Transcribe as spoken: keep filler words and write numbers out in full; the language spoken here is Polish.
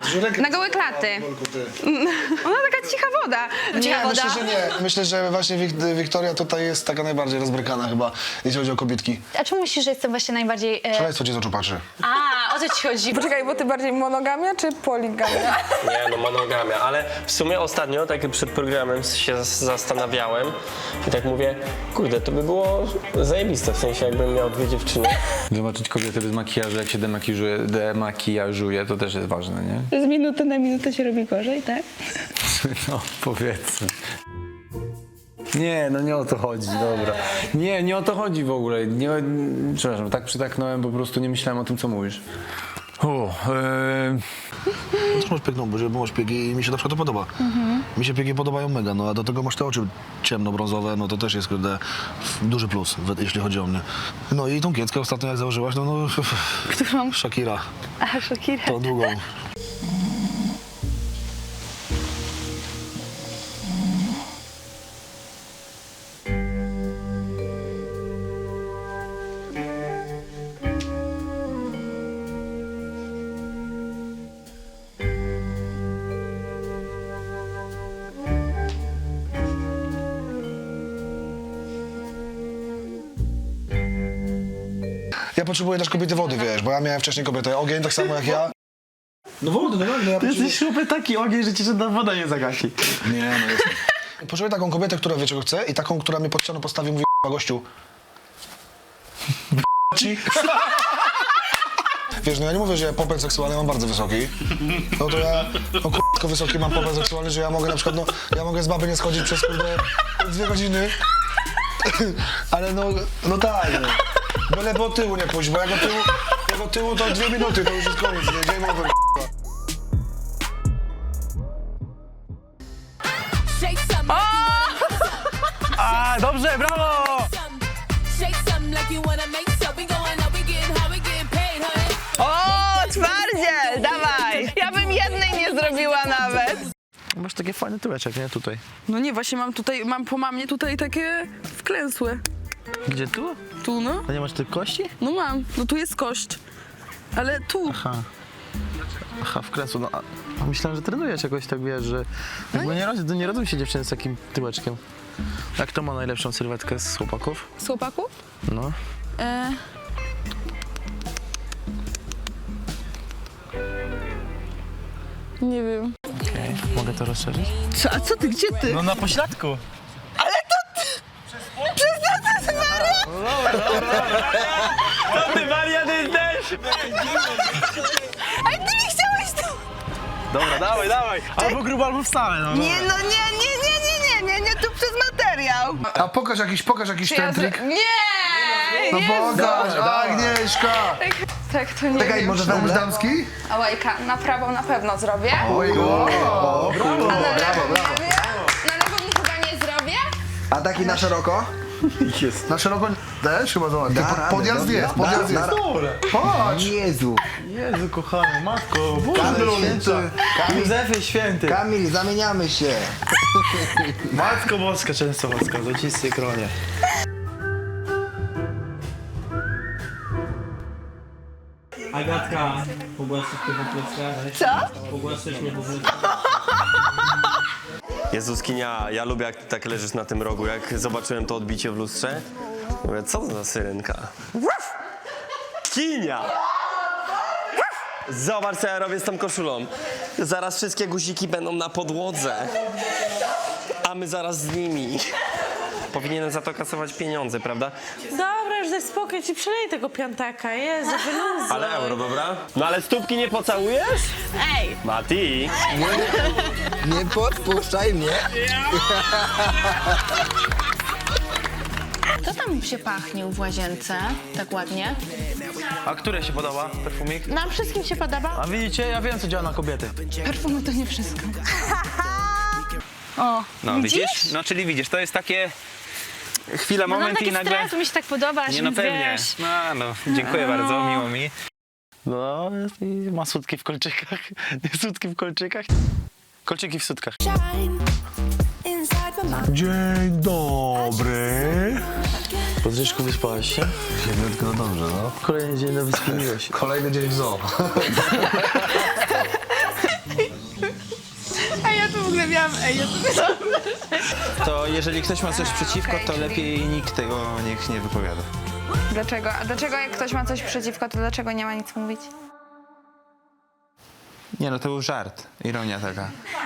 Na gołe klaty. Ona taka cicha woda. Cicha Nie, woda. myślę, że nie. Myślę, że właśnie Wik- Wiktoria tutaj jest taka najbardziej rozbrykana chyba, jeśli chodzi o kobietki. A czemu myślisz, że jestem właśnie najbardziej... E... Szaleństwo cię z oczu patrzy. A, o co ci chodzi? Poczekaj, bo ty bardziej monogamia czy poligamia? Nie, no monogamia, ale w sumie ostatnio, tak przed programem się z- zastanawiałem i tak mówię, kurde, to by było zajebiste, w sensie jakbym miał dwie dziewczyny. Zobaczyć kobietę bez makijażu, jak się demakijażuje, demakijażuje, to też jest ważne, nie? Z minuty na minutę się robi gorzej, tak? No, powiedzmy. Nie, no nie o to chodzi, dobra. Nie, nie o to chodzi w ogóle. Nie, przepraszam, tak przytaknąłem, po prostu nie myślałem o tym, co mówisz. O, e, No też masz piękną buzię, bo masz piegi i mi się na przykład to podoba. Mi się piegi podobają mega, no a do tego masz te oczy ciemno-brązowe, no to też jest kurde duży plus, we- jeśli chodzi o mnie. No i tą kieckę ostatnio jak założyłaś, no no... Którą? Shakira, A, Shakira. tą długą. Ja potrzebuję też kobiety wody, wiesz, bo ja miałem wcześniej kobietę ogień, tak samo jak ja. No wody, no tak, no ja Ty potrzebuję... jesteś chłopie taki ogień, że ci żadna woda nie zagasi. Nie, no jest. Potrzebuję taką kobietę, która wie czego chce i taką, która mnie pod ścianą postawi i mówi "K***a, gościu. Ci. Wiesz, no ja nie mówię, że ja popęd seksualny mam bardzo wysoki. No to ja, no k***a, tylko wysoki mam popęd seksualny, że ja mogę na przykład, no, ja mogę z baby nie schodzić przez kurde dwie godziny. Ale no, no tak, no. Byle po tyłu nie pójść, bo jak o tyłu, jak o tyłu to dwie minuty, to już jest koniec, nie? Game over, k***a. A, dobrze, brawo! O, twardziel, dawaj. Ja bym jednej nie zrobiła nawet. Masz takie fajne tyłeczek, nie? Tutaj. No nie, właśnie mam tutaj, mam po mamie tutaj takie wklęsłe. Gdzie tu? Tu, no. A nie masz tych kości? No mam, no tu jest kość. Ale tu. Aha. Aha, w kresu. No, a, a myślałem, że trenujesz jakoś tak, wiesz, że... Jakby nie, rodzą, nie rodzą się dziewczyny z takim tyłeczkiem. A kto ma najlepszą sylwetkę z chłopaków? Z chłopaków? No. E... Nie wiem. Okej, mogę to rozszerzyć? Co, a co ty, gdzie ty? No na pośladku. Ty wariat jesteś! Ej, ty mi chciałeś tu! Dobra, dawaj, dawaj. Albo grubo, albo wstałe, no. Nie, no nie, nie, nie, nie, nie, nie, nie, tu przez materiał. A pokaż jakiś, pokaż jakiś Czy ten ja trik. zro... Nie! No nie. pokaż, Agnieszka! Tak, to nie Czekaj, wiem. może ten damski? A łajka, na prawą na pewno zrobię. Oj, o, brawo, A na brawo, lewą brawo. zrobię? Na lewą chyba nie zrobię. A taki na szeroko? Na szeroko też chyba zobacz. Da Po- radę, Podjazd dobra. jest, podjazd Da- jest. da- Dobra. Patrz! Jezu. Jezu, kochany, matko, Boże Kamil drogi. Święty. Kamil, Józefie Święty. Kamil, zamieniamy się. Matko Boska Częstochowska, złocisty kronie. Agatka, pogłaszczysz mnie po plecach? Co? Pogłaszczysz mnie po plecach? Jezuskinia, ja lubię jak ty tak leżysz na tym rogu, jak zobaczyłem to odbicie w lustrze. Mówię, co to za syrenka? Kinia! Zobacz, co ja robię z tą koszulą. Zaraz wszystkie guziki będą na podłodze. A my zaraz z nimi. Powinienem za to kasować pieniądze, prawda? Dobra, już daj spokój, ci przylej tego piątaka, Jezu, wyluzuj. Ale euro, dobra? No ale stópki nie pocałujesz? Ej! Mati! Nie podpuszczaj mnie. Co tam się pachnił w łazience tak ładnie? A które się podoba, perfumik? Nam wszystkim się podoba? A widzicie, ja wiem, co działa na kobiety. Perfumy to nie wszystko. No widzisz? No czyli widzisz, to jest takie chwila, No mam moment taki i nagle... stres, mi się tak podoba, Nie no pewnie. wiesz. No, no, dziękuję bardzo, miło mi. No, i ma sutki w kolczykach. Nie sutki w kolczykach. Kolczyki w sutkach. Dzień dobry. Po Zbyszku wyspałeś się? Siedmiutko, no dobrze, no. Kolejny dzień na wyspie miłość. Kolejny dzień w zoo. A ja tu w ogóle miałam, ej, ja tu To jeżeli ktoś ma coś przeciwko, to lepiej nikt tego niech nie wypowiada. Dlaczego? A dlaczego jak ktoś ma coś przeciwko, to dlaczego nie ma nic mówić? Nie no, to był żart, ironia taka.